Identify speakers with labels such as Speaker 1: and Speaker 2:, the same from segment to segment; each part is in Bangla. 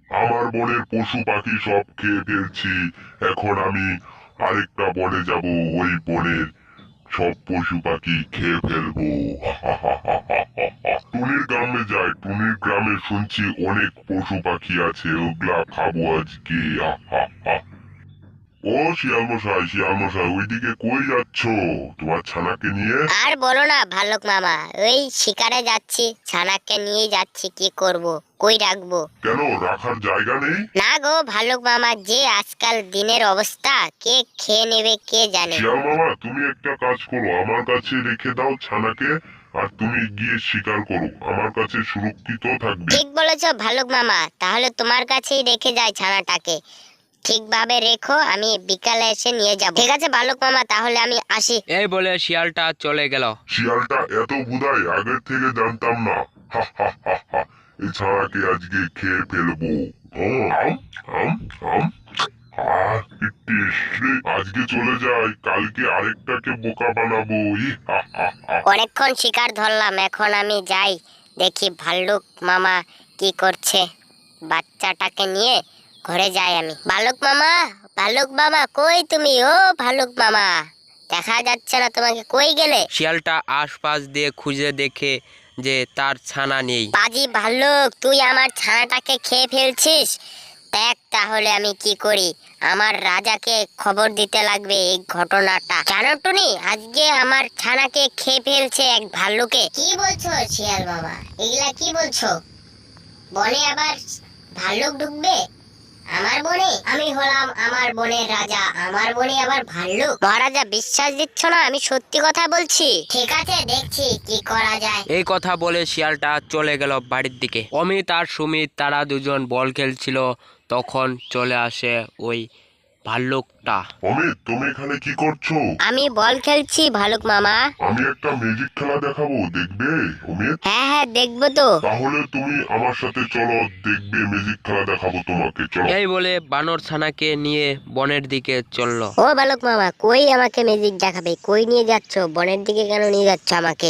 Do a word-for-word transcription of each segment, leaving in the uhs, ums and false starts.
Speaker 1: আমার বনের পশু পাখি সব খেয়ে ফেলছি। এখন আমি আরেকটা বনে যাব, ওই বনের সব পশু পাখি খেয়ে ফেলবো। টুনির গ্রামে যাই, টুনির গ্রামে শুনছি অনেক পশু পাখি আছে, ওগুলা খাবো আজকে। ও শিয়াল মশাই, শিয়াল মশাই, ওইদিকে কই যাচ্ছ তোমার ছানাকে নিয়ে?
Speaker 2: আর বলো না ভালুক মামা, ওই শিকারে যাচ্ছি, ছানাকে নিয়ে যাচ্ছি, কি করব, কই রাখবো?
Speaker 1: কেন, রাখার জায়গা নেই?
Speaker 2: না গো ভালুক মামা, যে আজকাল দিনের অবস্থা, কে খেয়ে নেবে কে জানে।
Speaker 1: শিয়াল মামা, তুমি একটা কাজ করো, আমার কাছে রেখে দাও ছানাকে, আর তুমি গিয়ে শিকার করো, আমার কাছে সুরক্ষিত থাকবে।
Speaker 2: ঠিক বলেছো ভালুক মামা, তাহলে তোমার কাছেই রেখে যাই ছানাটাকে। ঠিকভাবে রেখো, আমি বিকালে এসে নিয়ে যাব। ঠিক আছে ভালুক মামা, তাহলে আমি আসি।
Speaker 3: এই বলে শিয়ালটা চলে গেল।
Speaker 1: শিয়ালটা এত বুধাই আগের থেকে জানতাম না। হা হা হা হা, এই ছানাকে আজকে খেয়ে ফেলবো। ও, আম, আম, আম। আহ, কি টেস্টি। আজকে চলে যাই, কালকে আরেকটাকে বোকা বানাবো। ই হা হা হা।
Speaker 2: অনেকক্ষণ শিকার ধরলাম, এখন আমি যাই, দেখি ভাল্লুক মামা কি করছে। বাচ্চাটাকে নিয়ে ঘরে যাই আমি। ভালুক মামা, ভালুক মামা, কই তুমি? ও ভালুক মামা, দেখা যাচ্ছে না তোমাকে, কই গেলে?
Speaker 3: শিয়ালটা আশপাশ দিয়ে খুঁজে দেখে যে তার ছানা নেই।
Speaker 2: পাজি ভাল্লুক, তুই আমার ছানাটাকে খেয়ে ফেলছিস। দেখ তাহলে আমি কি করি, আমার রাজাকে খবর দিতে লাগবে এই ঘটনাটা। জানো টুনি, আজকে আমার ছানাকে খেয়ে ফেলছে এক ভাল্লুকে। কি বলছো শিয়াল বাবা, এগুলা কি বলছো? বনে আবার ভাল্লুক ঢুকবে আমার বনে? আমি হলাম আমার বনের রাজা, আমার বনে আবার ভাল্লুক? মহারাজা বিশ্বাস দিচ্ছ না, আমি সত্যি কথা বলছি। ঠিক আছে, দেখছি কি করা যায়।
Speaker 3: এই কথা বলে শিয়ালটা চলে গেল বাড়ির দিকে। অমিত আর সুমিত তারা দুজন বল খেলছিল, তখন চলে আসে ওই ভাল্লুকটা।
Speaker 1: অমিত, তুমি এখানে কি করছো?
Speaker 2: আমি বল খেলছি ভালুক মামা।
Speaker 1: আমি একটা ম্যাজিক খেলা দেখাবো, দেখবে অমিত?
Speaker 2: হ্যাঁ হ্যাঁ, দেখবো তো।
Speaker 1: তাহলে তুমি আমার সাথে চলো, দেখবে ম্যাজিক খেলা দেখাবো তোমাকে, চলো।
Speaker 3: এই বলে বানর ছানাকে নিয়ে বনের দিকে চলল।
Speaker 2: ও বালক মামা, কই আমাকে ম্যাজিক দেখাবে? কই নিয়ে যাচ্ছ? বনের দিকে কেন নিয়ে যাচ্ছ আমাকে?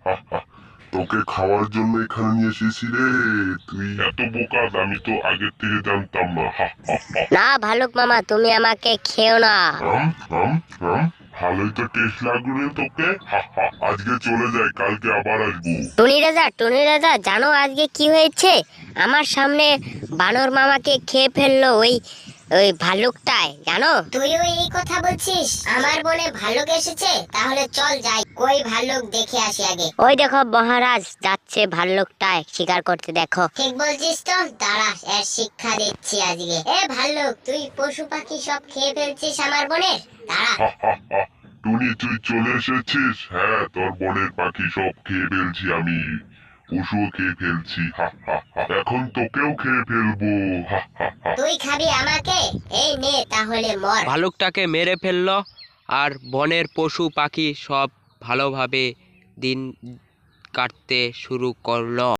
Speaker 1: তোকে খাওয়ার জন্য এখানে নিয়ে এসেছি রে। তুই এত বোকা, আমি তো আগের থেকে জানতাম না।
Speaker 2: না ভালুক মামা, তুমি আমাকে খেও না।
Speaker 1: আম, আম, আম, ভালোই তো টেস্ট লাগলো তোকে। আজকে চলে যাই, কালকে আবার আসবো।
Speaker 2: টুনি রাজা, টুনি রাজা, জানো আজকে কি হয়েছে? আমার সামনে বানর মামাকে খেয়ে ফেললো ওই ওই ভালুকটায়, জানো? তুইও এই কথা বলছিস? আমার বনে ভালুক এসেছে, তাহলে চল যাই, কই ভালুক দেখে আসি আগে। ওই দেখো মহারাজ, যাচ্ছে ভাল্লুকটায় শিকার করতে, দেখো। ঠিক বলছিস তো, দাঁড়া, এর শিক্ষা দিচ্ছি আজকে। এ ভাল্লুক, তুই পশু পাখি সব খেয়ে ফেলছিস আমার বনে, দাঁড়া।
Speaker 1: টুনি, তুই চলে এসেছিস? হ্যাঁ, তোর বনের পাখি সব খেয়ে ফেলছি আমি, পশুও খেয়ে ফেলছি। এখন তোকেও খেয়ে ফেলবো।
Speaker 2: তুই খাবি আমাকে? এই নে তাহলে মর।
Speaker 3: ভালুকটাকে মেরে ফেললো আর বনের পশু পাখি সব ভালোভাবে দিন কাটতে শুরু করলো।